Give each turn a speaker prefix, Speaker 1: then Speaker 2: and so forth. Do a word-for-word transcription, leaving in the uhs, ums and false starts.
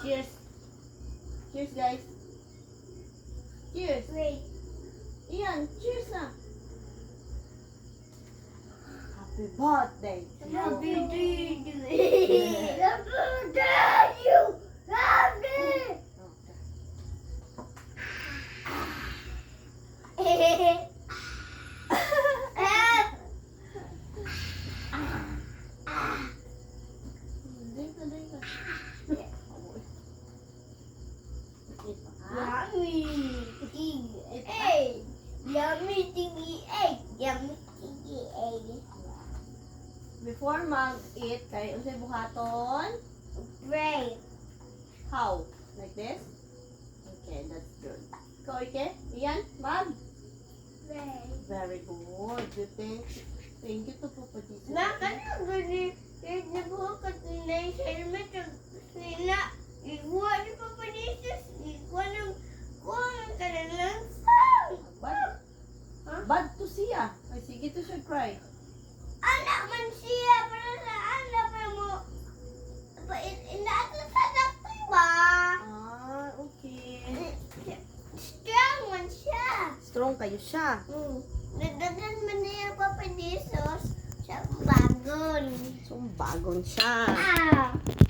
Speaker 1: Cheers. Cheers, guys. Cheers.
Speaker 2: Wait.
Speaker 1: Ian, cheers na. Happy birthday. to you.
Speaker 2: Happy birthday. Happy birthday, you. Happy.
Speaker 1: Okay. Drink na, drink na. Ah,
Speaker 2: Yummy. Hey. Yummy thingy egg. Yummy thingy egg.
Speaker 1: Before mag-eat, kay unsay buhaton?
Speaker 2: Pray.
Speaker 1: How? Like this? Okay, that's good. Ikaw, Ike? Iyan, mag?
Speaker 2: Pray.
Speaker 1: Very good. You think? Thank you to Papa Jesus.
Speaker 2: Nakano gani? Kahit nabuhat na yung helmet nila. Iguwa ni Papa Jesus. Iguwa ng kuha ng kanilang sang.
Speaker 1: Bad.
Speaker 2: Huh?
Speaker 1: Bad to siya. Ay, sige to siya cry.
Speaker 2: Anak man siya. Para sa anak pa mo. Inaasa sa doktor ba?
Speaker 1: Ah, okay.
Speaker 2: Strong man siya.
Speaker 1: Strong kayo siya.
Speaker 2: Mm. Nagdagan man niya Papa Jesus sa bagon.
Speaker 1: So, bagon siya.
Speaker 2: Ah!